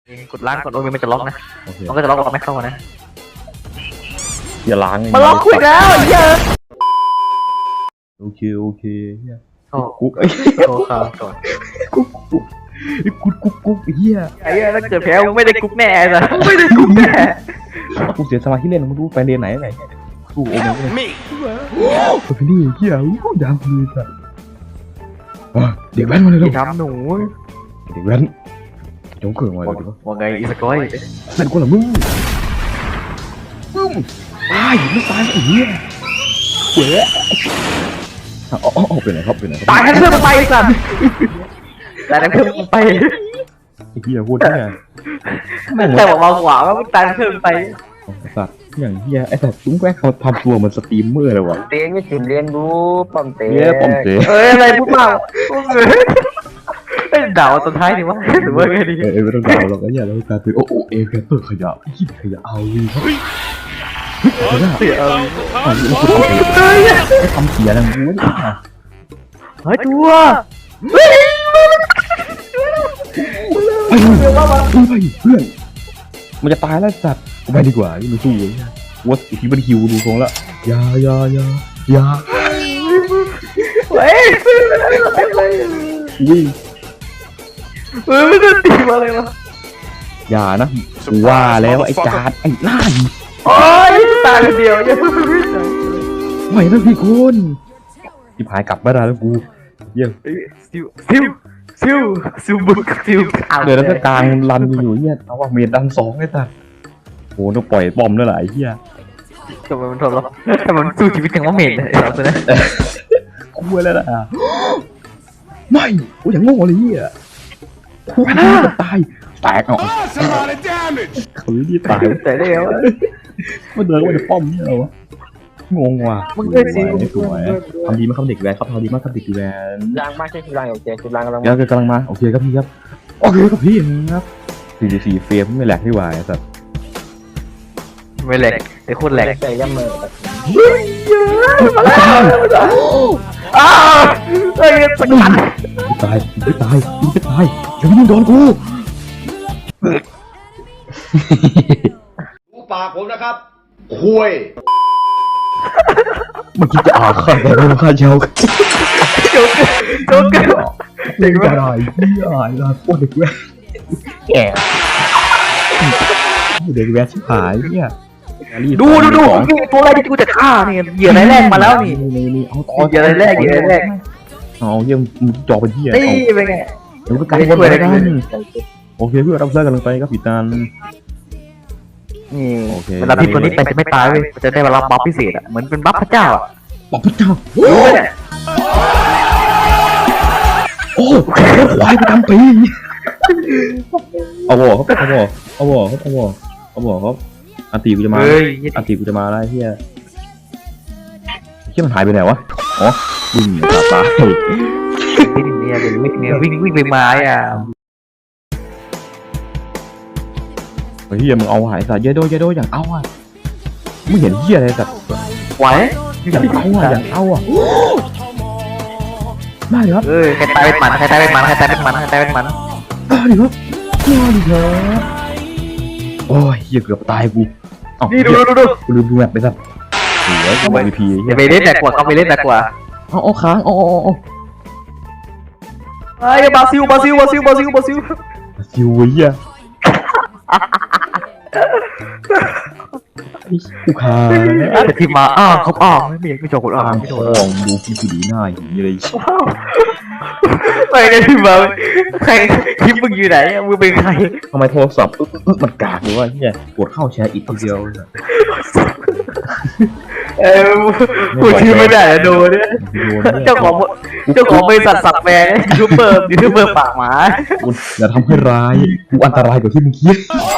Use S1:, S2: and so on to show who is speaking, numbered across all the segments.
S1: กดล้างกดโอเมมันจะล็อกนะ
S2: โอเค
S1: มันก็จะล็อกเราไม่เข้านะ
S2: อย่าล้าง
S1: มันล็อกคุยแล้วเยอะ
S2: โอเคโอเคเฮีย
S1: โอ้
S2: กุ๊กไอ้
S1: โหข่าวก่อน
S2: กุ๊กกุ๊กกุ๊กเฮีย
S1: ไอ้เหี้ยถ้าเกิดแพ้มึงไม่ได้กุ๊กแน่เลยไม่ได้กุ๊กแน่
S2: กูเสียสมาธิเล่นมึงรู้ไปเรียนไหนไหนกูโอ้โหไปนี่เฮียดาวเลยสัสเด็กแว้นมาเลยลูก
S1: ทำหนู
S2: เด็กแว้นจงเกิดมาเลยดิ
S1: ว่าไงอีสกอย
S2: เล่นกูเหรอมึงตายไม่ตายไอ้เหี้ยเว้ยอ๋อเป็นไรครับเป็นไรครับ
S1: ตายให้เพื่อนมึงไปสัตว์ตายให้เพื่อนมึงไป
S2: ไอ้เหี้ยพูดได้ไง
S1: แต่บอกมาขวาว่ามึงตายให้เพื่อนมึงไป
S2: สัตว์อย่างเหี้ยไอ้สัตว์ตุ้งแกล้งเขาทำตัวเหมือนสตรีมเมอร์เลยวะ
S3: เตียงไม่ถึงเรียนรู้ปั๊มเตะ
S2: เหี้ยป้อมเจ๊
S1: เอ้ยอะไรพูดมากเอ้ยด่าตอนท้ายดิวะหรือว่าไงดี
S2: ไม่ต้องด่าหรอกไอ้เหี้ยแล้วการเป็นโอ้เอฟเปิดขยะขี้ขยะเอาวีครับ
S1: เสียเอา
S2: ทำเสียอะไรกูวะ
S1: เฮ้ยตัว
S2: เพื่อนมันจะตายแล้วสัตว์กูไปดีกว่าที่มันสู้ว่าอีกทีมันฮิวดูทรงละยายา
S1: เฮ้ย
S2: วิ่ง
S1: ไม่ได้ตีมาเลยวะ
S2: อย่านะว่าแล้วไอ้จานไอ้ล่า
S1: โอ้ยตายคนเดียวยังไม่ตาย
S2: ไหวนะพี่คุณที่พายกลับมาได้แล้วกูเยี่ยม
S1: ซิวบึกซิว
S2: เดี๋ยวแล้วก็กลางรันอยู่เนี่ยเอาว่าเมียนดัน2ไอ้สัสโหต้องปล่อยบอมแล้วหลายเฮีย
S1: ทำไมมันทนหรอทำไมมันสู้ชีวิตอย่างว่าเมดไอ้สาวตัวนั้น
S2: กูแล้วล่ะไม่กูอย่างโง่เลยเฮียกูจะตายแตกออกคือที่ตาย
S1: แต่ได้แล้ว
S2: มันเดินมาในป้อมเนี่ยเหรอวะงงว่ะ
S1: มึงได้สิ
S2: สวยทำดีมากครับเด็กแวนครับทำดีมากครับเด็กแวน
S3: ล้างมากใช่คือล้างโอเคคือล้างกำลัง
S2: เดี๋ยวกำลังมาโอเคครับพี่ครับโอเคครับพี่ครับ44เฟรมไม่แหลกที่วายสัตว์
S1: ไม่แหลกไอ้โคตรแหลก
S3: ใส่ย่ำมือ
S1: อ้าวไอ้สกัด
S2: ไม่ตายไม่ตายไม่ตายอย่ามาโดนกู
S4: ดูปากผมนะครับคุย
S2: เมื่อกี้จะอ่านข้าแต่ไม่ข้าเชา
S1: โจ๊กเกอร์
S2: เด็กแวนพี่อ่านนะโคตรเด็กแวนแก่เด็กแวนชิบหายเนี่ย
S1: ดูตัวอะไรที่กูจะฆ่าเนี่ยเหยื่อรายแรกมาแล้วนี่
S2: นี่เอา
S1: เหยื่อรายแรก
S2: เอาเยี่ยมจอเป็นเหี้ย
S1: นี่เป็นไง
S2: เดี๋ยวก็กลายเป็นอะไรกันโอเคเพื่อรับเสื้อกันลงไปครับผิดการ
S1: นี่เวลาพิมพ์ตัวนี้ไปจะไม่ตายเว้ยจะได้มารับบัฟพิเศษอ่ะเหมือนเป็นบัฟพระเจ้าอ่ะ
S2: บอกพระเจ้า
S1: รู้ไหมเนี่ย
S2: โอ้ควายไปทำปีเอาบ่ครับเอาบ่ครับอันตีกูจะมา
S1: เฮ้ย
S2: อันตีกูจะมาแล้วเฮียเฮียมันหายไปไหนวะอ๋อวิ่งตาย
S1: เนี่ยวิ่งไปไม้อ่ะ
S2: เฮียมึงเอาหายสัตว์เยโดอย่างเอาอ่ะมึงเห็นเฮียอะไรสัตว์
S1: ไหว
S2: อย่างเอาอ่ะมาดิครับ
S1: ใครตายเป็นหมันมาดิครับ
S2: โอ้ยเฮียเกือบตายกู
S1: นี่ดู
S2: กูลืมดูแมปไปสัตว์โอ้ยกูไปพี
S1: อย่าไปเล่นแต่กว่าเขาไปเล่นแต่กว่า
S2: เอาค้างเอา
S1: ไอ้บาซิล
S2: ซิวเฮียกูค้าง
S1: แต่ทีมาเขาไม่อยากไม่จบคนไม่โดน
S2: ลองดูคลิปดีหน้าอย่างนี้เลย
S1: ไปได้ทีมาใครคลิปมึงอยู่ไหนมึงเป็นใคร
S2: ทำไมโทรศัพท์มันกากหรือว่าเนี่ยกดเข้าแชร์อีกทีเดียว
S1: พูดชื่อไม่ได้โดนเนี่ยเจ้าของบริษัทสักแวร์ยูทูบเบอร์ปากหมา
S2: อย่าทำให้ร้ายกูอันตรายกว่าที่มึงคิด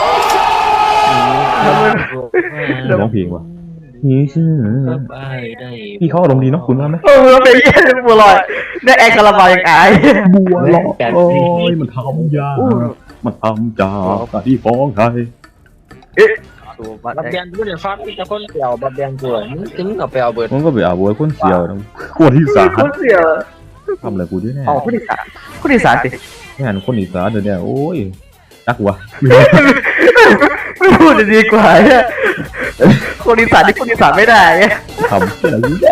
S2: ร้องเพลงว่ะนี่ชื่อพี่เขาอารมณ์ดีเนาะคุณว่าไหม
S1: เราไปเยี่ยมบัวลอยได้แอคคาราบาวยังอาย
S2: บัวลอยมันทำยากมันทำจากที่ฟ้องไทย
S3: บัดแดงกูเดี๋ยวฟังจะคนเปล่าบัดแดงกูถึงกับเปล่าเบิด
S2: มันก็ไปอาบวยคนเสียวนะคนที่สา
S1: คนเสีย
S2: ทำอะไรกูด้วยแน่
S1: อ๋อผู้โดยสารสิ
S2: ไม่หันคนอีสานเดี๋ยวนี้โอ้ยนักหัว
S1: ไม่พูดจะดีกว่าเนี่ยคนอีสานที่คนอีสานไม่ได้เนี่ย
S2: ทำอะไรเนี่ย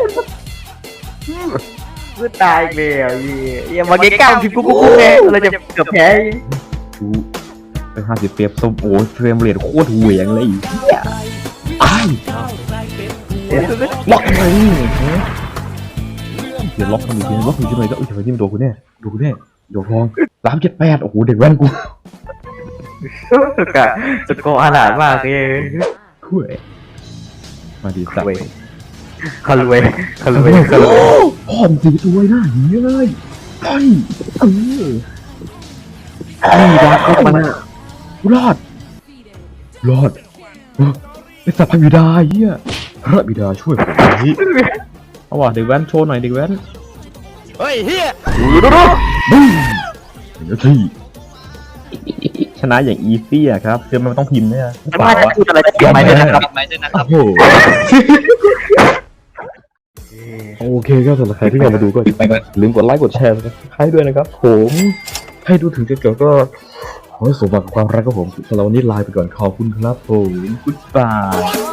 S1: พูดตายอีกแล้วอย่ามาเก๊กล้ามพิมพ์กุ๊กกุ๊กไงเราจะเกือบแพ้
S2: ดูไป50 เฟรมส้มโอ้เฟรมเรทโคตรเหวี่ยงเลยไอ้ล็อกทำไมเดี๋ยวล็อกทำอีกทีล็อกอีกทีหน่อยก็อุ้ยทำไมที่มันโดนกูแน่โดนกูแน่โดนทอง378โอ้โหเด็กแว่นกู
S1: กะจะโกอาหารมากเลย
S2: คุยมาดีสัตว์
S1: เขารวยเขารวยเขารวย
S2: พ่อมสีตัวหน้าหนีเลยไอ้รักเข้ามากูรอดไอ้สัตว์พระบิดาเฮียพระบิดาช่วยผมนี้เอาว่ะเด็กแว้นโชว์หน่อยเด็กแว้น
S3: เฮ้ยเฮีย
S2: บึ้มเดี๋ยวที่ชนะอย่างอีซี่อะครับคือมันต้องพิมพ์เนี่ย
S1: มันว่าจะพูดอะไรจะเปลี่ยนไหมเนี่ยนะครับ
S3: ปิดไมค์ด้วยนะครับ
S2: โอ้โหโอเคก็สำหรับใครที่อยากมาดูก็ลืมกดไลค์กดแชร์ให้ด้วยนะครับผมให้ดูถึงจนจบก็ขอให้สมหวังกับความรักครับผมสำหรับวันนี้ลาไปก่อนขอบคุณครับผม Goodbye